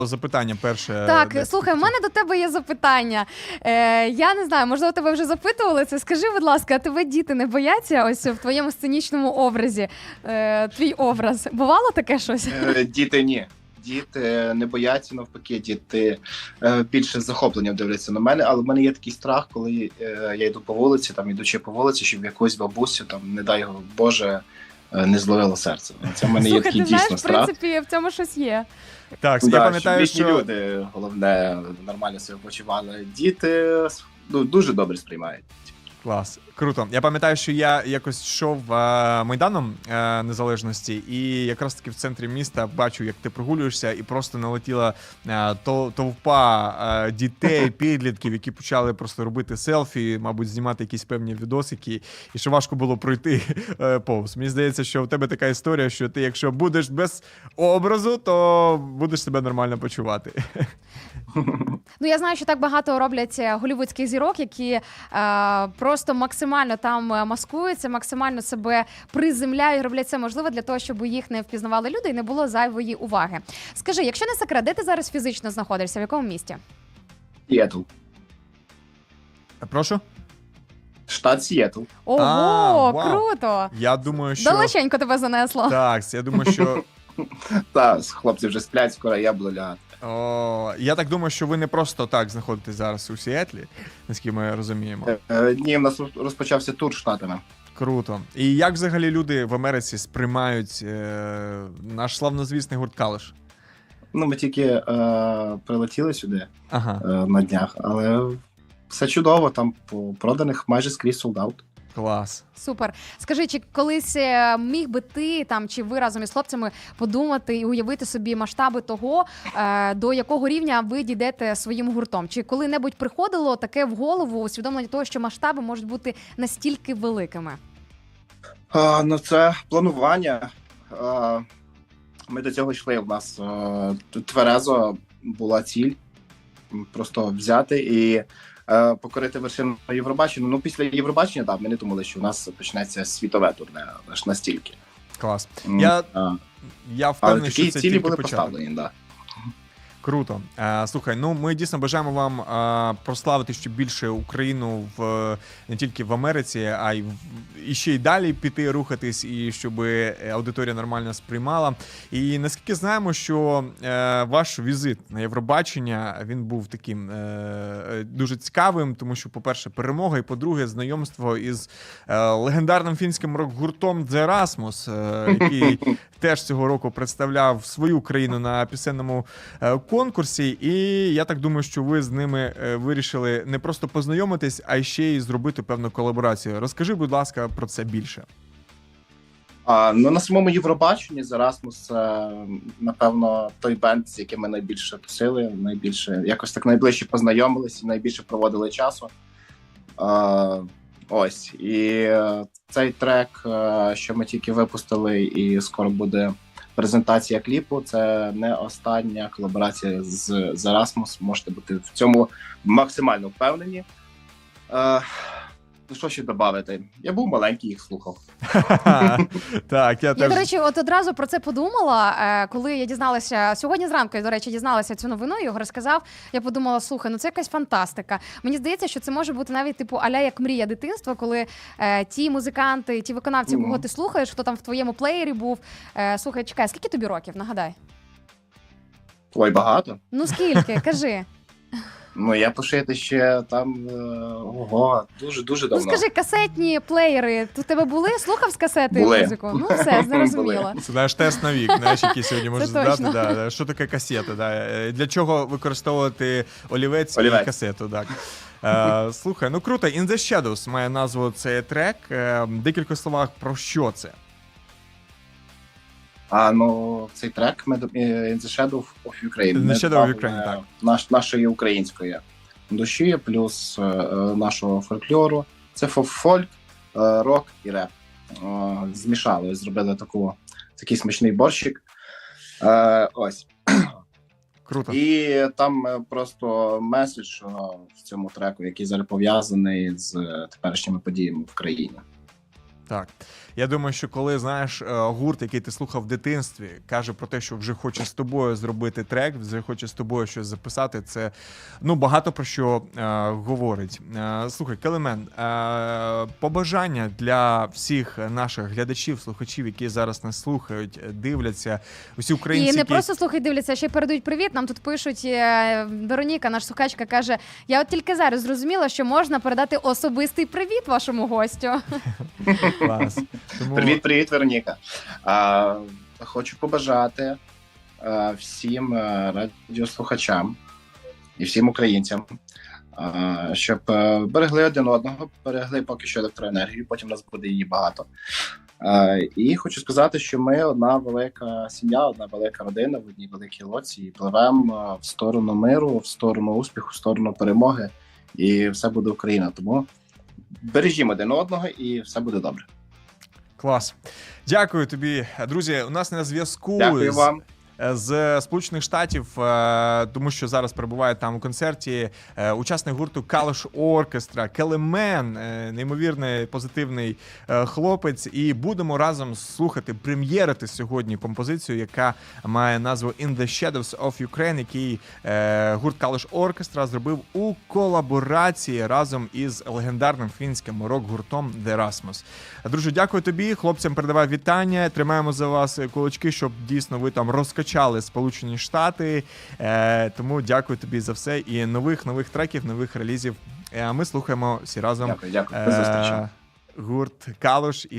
Запитання перше. Так, слухай, в мене до тебе є запитання. Я не знаю, можливо, тебе вже запитували це. Скажи, будь ласка, а тебе діти не бояться ось в твоєму сценічному образі? Твій образ. Бувало таке щось? Діти ні. Діти не бояться, навпаки, діти більше з захопленням дивляться на мене, але в мене є такий страх, коли я йду по вулиці, там ідучи по вулиці, щоб якусь бабусю, там, не дай Боже, не зловило серце. Це в мене є такий дійсно страх. В принципі, в цьому щось є. Так, я пам'ятаю, що люди, головне, нормально себе почували. Діти дуже добре сприймають. Клас, круто. Я пам'ятаю, що я якось йшов Майданом Незалежності, і якраз таки в центрі міста бачу, як ти прогулюєшся, і просто налетіла товпа дітей, підлітків, які почали просто робити селфі, мабуть, знімати якісь певні відосики, і що важко було пройти повз. Мені здається, що в тебе така історія, що ти, якщо будеш без образу, то будеш себе нормально почувати. Ну, я знаю, що так багато роблять голлівудських зірок, які просто максимально там маскуються, максимально себе приземляють, роблять це можливо для того, щоб їх не впізнавали люди і не було зайвої уваги. Скажи, якщо не секрет, де ти зараз фізично знаходишся, в якому місті? Сіетл. Прошу? Штат Сіетл. Ого, вау. Круто! Я думаю, що... Далеченько тебе занесло. Так, я думаю, що... Так, хлопці вже сплять, скоро я буду лягати. Я так думаю, що ви не просто так знаходитесь зараз у Сіетлі, наскільки ми розуміємо. Ні, в нас розпочався тур штатами. Круто. І як взагалі люди в Америці сприймають наш славнозвісний гурт Калиш? Ну, ми тільки прилетіли сюди на днях, але все чудово, там по проданих майже скрізь солдат. Клас. Супер. Скажи, чи колись міг би ти там, чи ви разом із хлопцями подумати і уявити собі масштаби того, до якого рівня ви дійдете своїм гуртом? Чи коли-небудь приходило таке в голову усвідомлення того, що масштаби можуть бути настільки великими? Ну, це планування. Ми до цього йшли. У нас тверезо була ціль просто взяти і покорити вершину Євробачення. Ну, після Євробачення, так, ми не думали, що у нас почнеться світове турне, аж настільки. Клас. Я впевнений, що це цілі тільки були початок. поставлені, так. Круто. Слухай, ну ми дійсно бажаємо вам прославити ще більше Україну не тільки в Америці, а й ще й далі піти, рухатись, і щоб аудиторія нормально сприймала. І наскільки знаємо, що ваш візит на Євробачення, він був таким дуже цікавим, тому що, по-перше, перемога, і, по-друге, знайомство із легендарним фінським рок-гуртом The Rasmus, який теж цього року представляв свою країну на пісенному конкурсі, і я так думаю, що ви з ними вирішили не просто познайомитись, а ще й зробити певну колаборацію. Розкажи, будь ласка, про це більше. Ну, на самому Євробаченні The Rasmus це, напевно, той бенд, з яким ми найбільше тусили, якось так найближче познайомились і найбільше проводили часу. Ось. І цей трек, що ми тільки випустили, і скоро буде презентація кліпу, це не остання колаборація з The Rasmus. Можете бути в цьому максимально впевнені. Що ще додати? Я був маленький, їх слухав. Так, я, до речі, от одразу про це подумала, коли я дізналася, сьогодні зранку, я, до речі, дізналася цю новину, його розказав, я подумала, слухай, ну це якась фантастика. Мені здається, що це може бути навіть типу а-ля як мрія дитинства, коли ті музиканти, ті виконавці, кого ти слухаєш, хто там в твоєму плеєрі був. Слухай, чекай, скільки тобі років, нагадай? Ой, багато. Ну скільки, кажи. Ну, я пошити ще там, дуже давно. Ну, скажи, касетні плеєри, у тебе були? Слухав з касети музику? Ну, все, зрозуміло. Це наш тест на вік, знаєш, який сьогодні можна задати. Да. Що таке касета? Да. Для чого використовувати олівець і касету? Так. Слухай, ну круто. In the Shadows має назву цей трек. Декілька словах про що це? Ну, цей трек In the Shadow of Ukraine. In the Shadow of Ukraine, так. Нашої української душі, плюс нашого фольклору. Це фольк, рок і реп. Змішали, зробили такий смачний борщик. Ось. Круто. І там просто меседж в цьому треку, який зараз пов'язаний з теперішніми подіями в країні. Так. Я думаю, що коли, знаєш, гурт, який ти слухав в дитинстві, каже про те, що вже хоче з тобою зробити трек, вже хоче з тобою щось записати, це, ну, багато про що говорить. Слухай, Келемен, побажання для всіх наших глядачів, слухачів, які зараз нас слухають, дивляться, усі українці, І не які... просто слухають, дивляться, а ще й передають привіт. Нам тут пишуть, Вероніка, наш слухачка, каже, я от тільки зараз зрозуміла, що можна передати особистий привіт вашому гостю. Клас. Тому... Привіт, Вероніка. Хочу побажати всім радіослухачам і всім українцям, щоб берегли один одного, берегли поки що електроенергію, потім у нас буде її багато. І хочу сказати, що ми одна велика сім'я, одна велика родина в одній великій лодці і пливемо в сторону миру, в сторону успіху, в сторону перемоги, і все буде Україна. Тому бережімо один одного і все буде добре. Клас. Дякую тобі, друзі. У нас на зв'язку Дякую вам. з Сполучених Штатів, тому що зараз перебуває там у концерті учасник гурту Калуш Оркестра, Келемен, неймовірний позитивний хлопець. І будемо разом слухати, прем'єрити сьогодні композицію, яка має назву «In the Shadows of Ukraine», який гурт Калуш Оркестра зробив у колаборації разом із легендарним фінським рок-гуртом The Rasmus. Друже, дякую тобі. Хлопцям передавай вітання. Тримаємо за вас кулачки, щоб дійсно ви там розкачали Сполучені Штати. Тому дякую тобі за все. І нових треків, нових релізів. Ми слухаємо всі разом Дякую. До зустрічі. гурт Калуш.